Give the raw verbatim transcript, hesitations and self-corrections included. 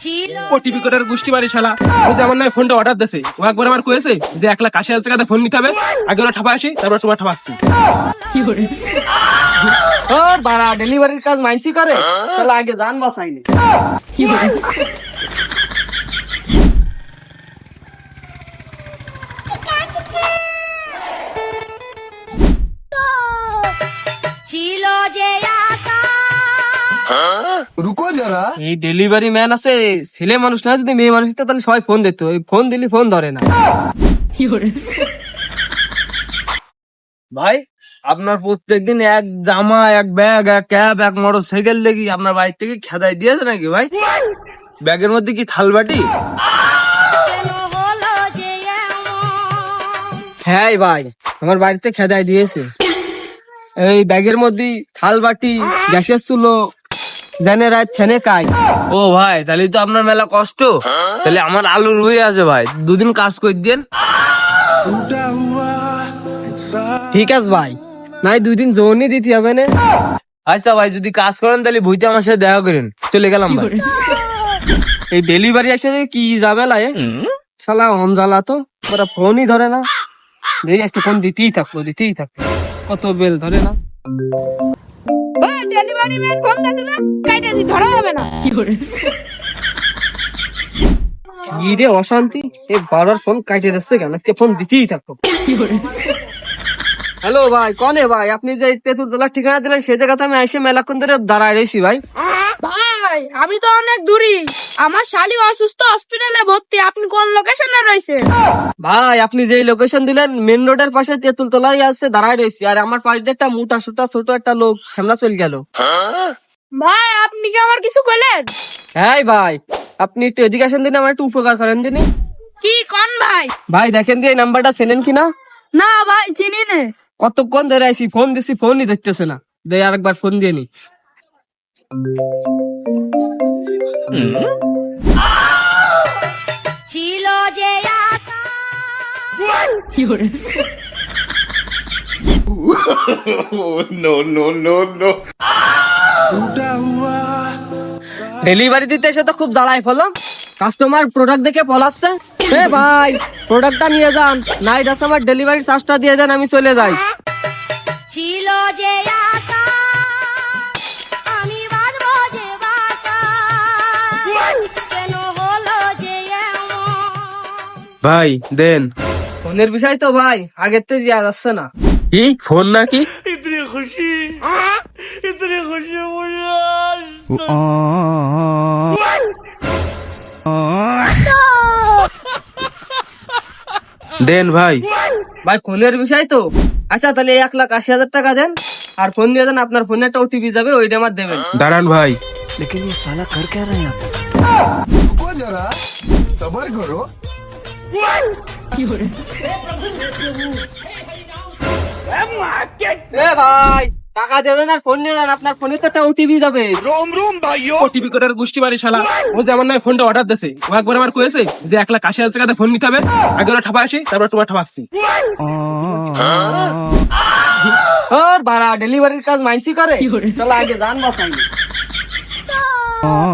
OTP কোডের গোষ্ঠী মারি শালা। ওই যে আমার নয় ফোনটা অর্ডার দিছে, ও একবার আমার কয়েছে যে এক লাখ আশি হাজার টাকাতে ফোন নিতে হবে, আগে ওরা ঠাপা আসি তারপর তোমার ঠাপাচ্ছি। ও বাড়া ডেলিভারির কাজ মাইনছি করে, চলো আগে জান বাঁচাইনি। ছিল যে আশা रुको जरा। এই ডেলিভারি ম্যান আছে, ছেলে মানুষ না, যদি মেয়ে মানুষ হতো তাহলে সবাই ফোন দিত, এই ফোন দিলি ফোন ধরে না। ভাই আপনার প্রত্যেকদিন এক জামা, এক ব্যাগ, এক ক্যাব, এক মোটর সাইকেল দেখি আপনার বাড়ি থেকে খেদাই দিয়েছে নাকি ভাই? ব্যাগের মধ্যে কি থালবাটি? কেন হলো যে এমন? হ্যাঁ ভাই, আমার বাড়িতে খেদাই দিয়েছে। এই ব্যাগের মধ্যে থাল বাটি, গ্যাসের চুলো, জানে রাত ছেনে কাই। ও ভাই তাহলে তো আপনার মেলা কষ্ট। তাহলে আমার আলুর হয়ে আছে ভাই, দুদিন কাজ করে দেন। ঠিক আছে ভাই, নাই দুই দিন জোনই দিতে হবে না। আচ্ছা ভাই যদি কাজ করেন তাহলে ভুইতে আমার সাথে দেখা করেন, চলে গেলাম ভাই। এই ডেলিভারি আসে যে কি ঝামেলা এ, শালা অন জ্বালা তো, ওরা ফোনই ধরে না। দেখি আজকে ফোন দিতেই থাকবো দিতেই থাকবো, কত বেল ধরে না। ডেলিভারি ম্যান ফোন দিতে না, কাইটা দি ধরা যাবে না। কি রে অশান্তি, এই বারবার ফোন কাটে দিচ্ছে কেন, আজকে ফোন দিতেই থাকবো। হ্যালো ভাই, কনে ভাই? আপনি যে তেঁতুল তলার ঠিকানা দিলেন সেই জায়গাতে আমি এসে মেলাক্ষণ ধরে দাঁড়ায় রয়েছি ভাই। ভাই আমি তো অনেক দূরি, আমার শালি অসুস্থ, হসপিটালে ভর্তি। আপনি কোন লোকেশনে রয়েছেন? ভাই আপনি যে লোকেশন দিলেন মেন রোডের পাশে তেঁতুল তলায় আছে, দাঁড়ায় রয়েছি। আর আমার পাশে একটা মোটা সোটা ছোট একটা লোক সামনে চলে গেল। ভাই আপনি কি আমার কিছু কইলেন? হ্যাঁ ভাই, আপনি একটু এদিকে আসেন দিন, আমার একটু উপকার করেন দিন। কি কোন ভাই? ভাই দেখেন দিয়ে নাম্বারটা চেনেন কিনা? না ভাই চিনি না। কতক্ষণ ধরে আইসি, ফোন দিছি ফোনই ধরতেছে না। দে আরেকবার ফোন দিয়ে নি। ছিল যে আশা ডেলিভারি দিতে এসে তো খুব জ্বালাই ফেলো, কাস্টমার প্রোডাক্ট দেখে পলাচ্ছে। এ ভাই প্রোডাক্টটা নিয়ে যান, নাইট আছে আমার ডেলিভারি চার্জটা দিয়ে দেন, আমি চলে যাই। ছিল যে আশা আমি বাঁধবো যে বাসা, কেন হলো যে এমন? ভাই দেন। ফোনের বিষয় তো ভাই আগের থেকে দেওয়া যাচ্ছে না। কি ফোন নাকি? দেন ভাই। ভাই ফোনের বিষয় তো, আচ্ছা তাহলে এক লাখ আশি হাজার টাকা দেন, আর ফোন দিয়ে দেন, আপনার ফোনে একটা ওটিপি যাবে, ওইটা আমার দেবেন। দাঁড়ান ভাই। रुको जरा, सबर करो। এ ভাই টাকা দিয়ে দেন আর ফোন নিয়ে যান, আপনার ফোনে তো একটা ওটিপি যাবে। ওটিপি কোডের গোষ্ঠী মারি শালা। ও যে আমার নয় ফোনটা অর্ডার দিছে, ও একবার আমার কয়েছে যে এক লাখ আশি হাজার টাকাতে ফোন নিতে হবে, আগে ওরা ঠাপা আসি তারপর তোমার ঠাপাচ্ছি। ওর বাড়া ডেলিভারির কাজ মাইনছি করে, চলো আগে জান বাঁচাইনি।